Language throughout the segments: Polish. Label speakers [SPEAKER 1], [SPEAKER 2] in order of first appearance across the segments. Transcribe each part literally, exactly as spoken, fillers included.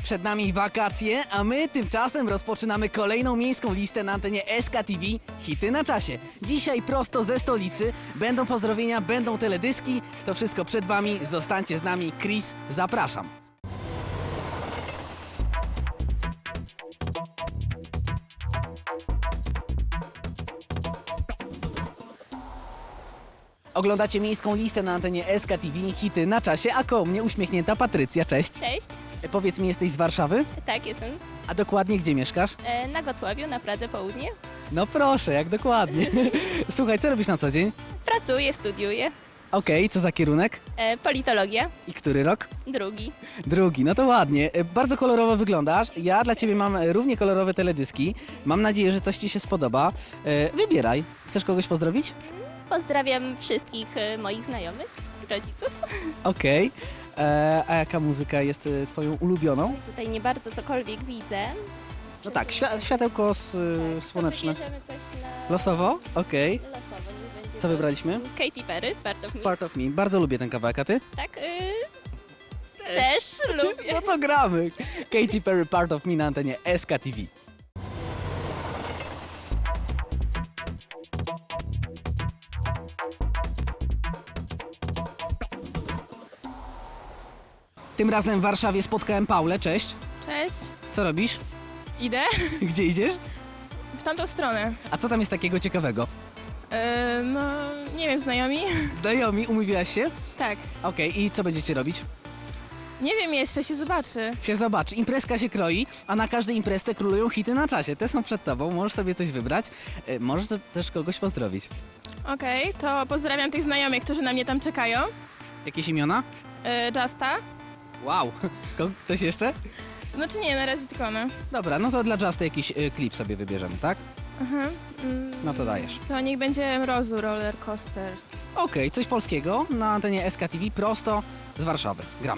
[SPEAKER 1] Przed nami wakacje, a my tymczasem rozpoczynamy kolejną miejską listę na antenie S K T V Hity na czasie. Dzisiaj prosto ze stolicy. Będą pozdrowienia, będą teledyski. To wszystko przed wami. Zostańcie z nami. Chris, zapraszam. Oglądacie miejską listę na antenie S K T V Hity na czasie, a koło mnie uśmiechnięta Patrycja. Cześć.
[SPEAKER 2] Cześć,
[SPEAKER 1] E, Powiedz mi, jesteś z Warszawy?
[SPEAKER 2] tak jestem
[SPEAKER 1] A dokładnie gdzie mieszkasz?
[SPEAKER 2] e, na Gocławiu, na Pradze Południe.
[SPEAKER 1] No proszę, jak dokładnie. Słuchaj, co robisz na co dzień?
[SPEAKER 2] Pracuję, studiuję.
[SPEAKER 1] Okej, co za kierunek?
[SPEAKER 2] E, politologia,
[SPEAKER 1] I który rok?
[SPEAKER 2] drugi.
[SPEAKER 1] Drugi, no to ładnie. E, Bardzo kolorowo wyglądasz. Ja dla ciebie mam e, równie kolorowe teledyski. Mam nadzieję, że coś ci się spodoba. E, Wybieraj. Chcesz kogoś pozdrowić?
[SPEAKER 2] Pozdrawiam wszystkich e, moich znajomych, rodziców.
[SPEAKER 1] Okej. E, A jaka muzyka jest e, twoją ulubioną?
[SPEAKER 2] Tutaj nie bardzo cokolwiek widzę.
[SPEAKER 1] No tak, świa światełko s-
[SPEAKER 2] Tak, to
[SPEAKER 1] słoneczne.
[SPEAKER 2] wybierzemy coś na...
[SPEAKER 1] Losowo? Okej.
[SPEAKER 2] Losowo, niech będzie
[SPEAKER 1] Co
[SPEAKER 2] to
[SPEAKER 1] wybraliśmy?
[SPEAKER 2] Katy Perry, Part of Me.
[SPEAKER 1] Part of Me. Bardzo lubię ten kawałek, a ty?
[SPEAKER 2] Tak, y... też lubię.
[SPEAKER 1] No to gramy. Katy Perry, Part of Me na antenie S K T V. Tym razem w Warszawie spotkałem Paulę. Cześć.
[SPEAKER 3] Cześć,
[SPEAKER 1] Co robisz?
[SPEAKER 3] idę
[SPEAKER 1] Gdzie idziesz?
[SPEAKER 3] w tamtą stronę.
[SPEAKER 1] A co tam jest takiego ciekawego?
[SPEAKER 3] E, no, nie wiem, znajomi?
[SPEAKER 1] Znajomi, umówiłaś się?
[SPEAKER 3] Tak.
[SPEAKER 1] Okej, i co będziecie robić?
[SPEAKER 3] Nie wiem jeszcze, się zobaczy.
[SPEAKER 1] Się zobacz, imprezka się kroi, a na każdej imprezce królują hity na czasie. Te są przed tobą, możesz sobie coś wybrać. E, Możesz też kogoś pozdrowić.
[SPEAKER 3] Okej, to pozdrawiam tych znajomych, którzy na mnie tam czekają.
[SPEAKER 1] Jakieś imiona?
[SPEAKER 3] E, Justa.
[SPEAKER 1] Wow. Ko- Ktoś jeszcze?
[SPEAKER 3] Znaczy nie, na razie tylko ona.
[SPEAKER 1] Dobra, no to dla Justy jakiś y, klip sobie wybierzemy, tak?
[SPEAKER 3] Aha. Mm,
[SPEAKER 1] No to dajesz.
[SPEAKER 3] To niech będzie Mrozu Roller Coaster.
[SPEAKER 1] Okej, coś polskiego na antenie S K T V prosto z Warszawy. Gramy.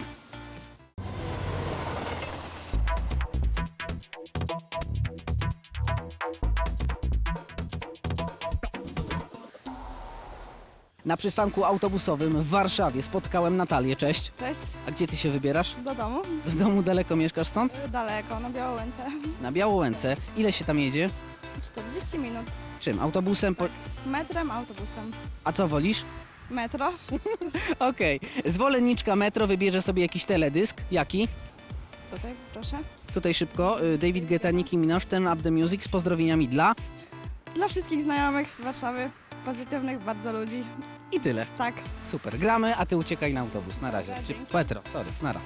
[SPEAKER 1] Na przystanku autobusowym w Warszawie spotkałem Natalię. Cześć.
[SPEAKER 4] Cześć,
[SPEAKER 1] A gdzie ty się wybierasz?
[SPEAKER 4] do domu.
[SPEAKER 1] Z domu daleko mieszkasz stąd?
[SPEAKER 4] Daleko, na Białołęce.
[SPEAKER 1] Na Białołęce. Ile się tam jedzie?
[SPEAKER 4] czterdzieści minut.
[SPEAKER 1] Czym? Autobusem? Po...
[SPEAKER 4] Metrem, autobusem.
[SPEAKER 1] A co wolisz?
[SPEAKER 4] Metro.
[SPEAKER 1] Okej. Zwolenniczka metro wybierze sobie jakiś teledysk. Jaki?
[SPEAKER 4] Tutaj, proszę.
[SPEAKER 1] Tutaj szybko. y, David Guetta, Nicki Minaj, Turn Up The Music z pozdrowieniami dla...
[SPEAKER 4] Dla wszystkich znajomych z Warszawy, pozytywnych bardzo ludzi.
[SPEAKER 1] I tyle.
[SPEAKER 4] Tak.
[SPEAKER 1] Super. Gramy, a ty uciekaj na autobus. Na razie.
[SPEAKER 4] Dobra,
[SPEAKER 1] Czy
[SPEAKER 4] dzięki.
[SPEAKER 1] Petro, sorry. Nara.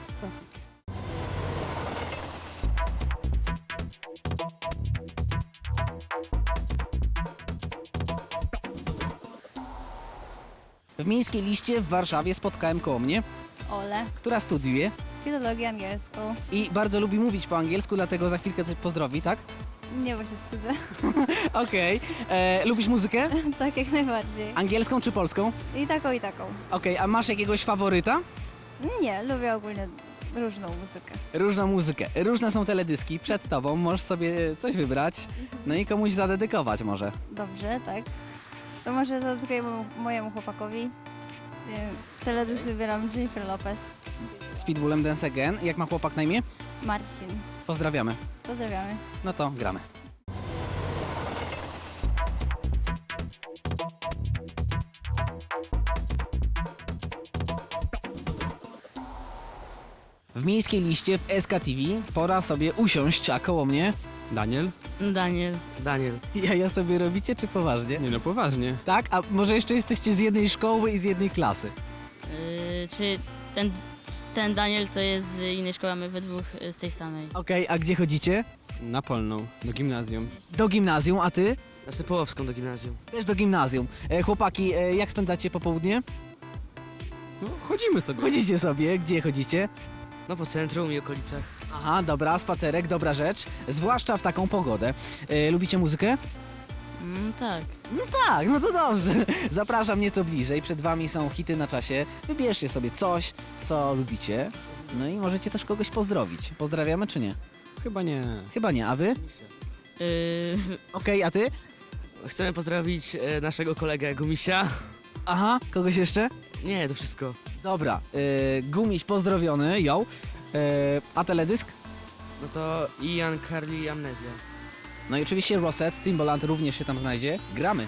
[SPEAKER 1] W miejskiej liście w Warszawie spotkałem koło mnie,
[SPEAKER 4] Ole.
[SPEAKER 1] która studiuje
[SPEAKER 4] Filologię angielską.
[SPEAKER 1] i bardzo lubi mówić po angielsku, dlatego za chwilkę coś pozdrowi, tak?
[SPEAKER 4] Nie, bo się wstydzę.
[SPEAKER 1] Okej. E, Lubisz muzykę?
[SPEAKER 4] Tak, jak najbardziej.
[SPEAKER 1] Angielską czy polską?
[SPEAKER 4] I taką, i taką.
[SPEAKER 1] Okej, a masz jakiegoś faworyta?
[SPEAKER 4] Nie, lubię ogólnie różną muzykę.
[SPEAKER 1] Różną muzykę. Różne są teledyski przed tobą, możesz sobie coś wybrać, no i komuś zadedykować może.
[SPEAKER 4] Dobrze, tak. To może zadedykuję mo- mojemu chłopakowi. Nie, Teledysk wybieram Jennifer Lopez.
[SPEAKER 1] Z Pitbullem Dance Again. Jak ma chłopak na imię?
[SPEAKER 4] Marcin.
[SPEAKER 1] Pozdrawiamy.
[SPEAKER 4] Pozdrawiamy.
[SPEAKER 1] No to gramy. W miejskiej liście w S K T V pora sobie usiąść, a koło mnie...
[SPEAKER 5] Daniel?
[SPEAKER 6] Daniel.
[SPEAKER 5] Daniel.
[SPEAKER 1] Jaja sobie robicie, czy poważnie?
[SPEAKER 5] Nie no, poważnie.
[SPEAKER 1] Tak? A może jeszcze jesteście z jednej szkoły i z jednej klasy?
[SPEAKER 6] Yy, czy ten, ten Daniel to jest z innej szkoły, a my we dwóch y, z tej samej.
[SPEAKER 1] Okej, a gdzie chodzicie?
[SPEAKER 5] Na Polną, do gimnazjum.
[SPEAKER 1] Do gimnazjum, a ty?
[SPEAKER 7] Na Sypołowską do gimnazjum.
[SPEAKER 1] Też do gimnazjum. E, chłopaki, e, jak spędzacie popołudnie?
[SPEAKER 5] No, chodzimy sobie.
[SPEAKER 1] Chodzicie sobie, gdzie chodzicie?
[SPEAKER 7] No po centrum i okolicach.
[SPEAKER 1] Aha, dobra, spacerek, dobra rzecz, zwłaszcza w taką pogodę. E, lubicie muzykę?
[SPEAKER 6] Mm, tak.
[SPEAKER 1] No tak, no to dobrze. Zapraszam nieco bliżej, przed wami są hity na czasie. Wybierzcie sobie coś, co lubicie, no i możecie też kogoś pozdrowić. Pozdrawiamy czy nie?
[SPEAKER 5] Chyba nie.
[SPEAKER 1] Chyba nie, a wy?
[SPEAKER 6] Yy,
[SPEAKER 1] Okej, a ty?
[SPEAKER 7] Chcemy pozdrowić e, naszego kolegę Gumisia.
[SPEAKER 1] Aha, kogoś jeszcze?
[SPEAKER 7] Nie, to wszystko.
[SPEAKER 1] Dobra, e, Gumiś pozdrowiony, ją. E, a teledysk?
[SPEAKER 7] No to Ian, Carly i Amnezja.
[SPEAKER 1] No i oczywiście Rosette, Timbaland również się tam znajdzie. Gramy.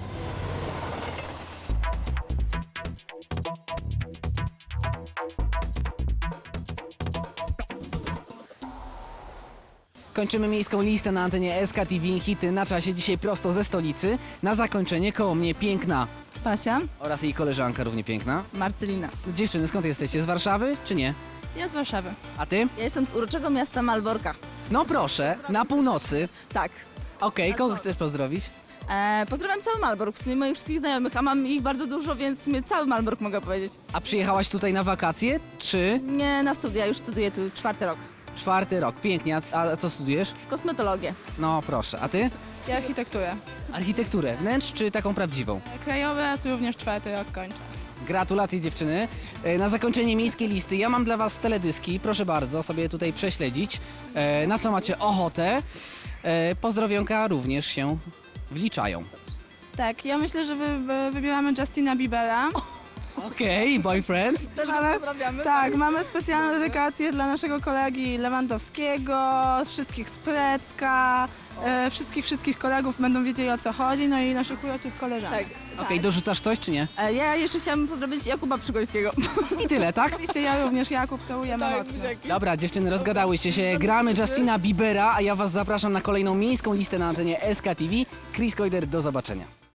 [SPEAKER 1] Kończymy miejską listę na antenie S K T V. Hity na czasie dzisiaj prosto ze stolicy. Na zakończenie koło mnie piękna
[SPEAKER 8] Basia,
[SPEAKER 1] oraz jej koleżanka równie piękna.
[SPEAKER 8] Marcelina.
[SPEAKER 1] Dziewczyny, skąd jesteście? Z Warszawy czy nie?
[SPEAKER 8] Ja z Warszawy.
[SPEAKER 1] A ty?
[SPEAKER 8] Ja jestem z uroczego miasta Malborka.
[SPEAKER 1] No proszę, na północy.
[SPEAKER 8] Tak.
[SPEAKER 1] Okej, kogo chcesz pozdrowić?
[SPEAKER 8] E, pozdrawiam cały Malbork, w sumie moich wszystkich znajomych, a mam ich bardzo dużo, więc w sumie cały Malbork mogę powiedzieć.
[SPEAKER 1] A przyjechałaś tutaj na wakacje, czy
[SPEAKER 8] Nie na studia, już studiuję tu czwarty rok.
[SPEAKER 1] czwarty rok? Pięknie, a, a co studujesz?
[SPEAKER 8] Kosmetologię.
[SPEAKER 1] No proszę, a ty?
[SPEAKER 3] Ja architekturę.
[SPEAKER 1] Architekturę, wnętrz czy taką prawdziwą?
[SPEAKER 3] Krajowe, również czwarty rok kończę.
[SPEAKER 1] Gratulacje dziewczyny. E, Na zakończenie miejskiej listy ja mam dla was teledyski, proszę bardzo sobie tutaj prześledzić, e, na co macie ochotę. E, Pozdrowionka również się wliczają.
[SPEAKER 3] Tak, ja myślę, że wy, wy, wybieramy Justina Biebera.
[SPEAKER 1] Okej, boyfriend.
[SPEAKER 8] Też
[SPEAKER 3] Ale-
[SPEAKER 8] pozdrawiamy.
[SPEAKER 3] Tak, mamy specjalną dedykację dla naszego kolegi Lewandowskiego, wszystkich z Precka, e, wszystkich, wszystkich kolegów będą wiedzieli, o co chodzi, no i naszych uroczych koleżanek.
[SPEAKER 8] Tak.
[SPEAKER 1] Okej, dorzucasz coś czy nie?
[SPEAKER 8] E, ja jeszcze chciałam pozdrowić Jakuba Przygońskiego.
[SPEAKER 1] I tyle, tak?
[SPEAKER 3] Oczywiście ja również, Jakub, całujemy mocno.
[SPEAKER 1] Dobra, dziewczyny, rozgadałyście się. Gramy Justina Biebera, a ja was zapraszam na kolejną miejską listę na antenie S K T V. Chris Koider, do zobaczenia.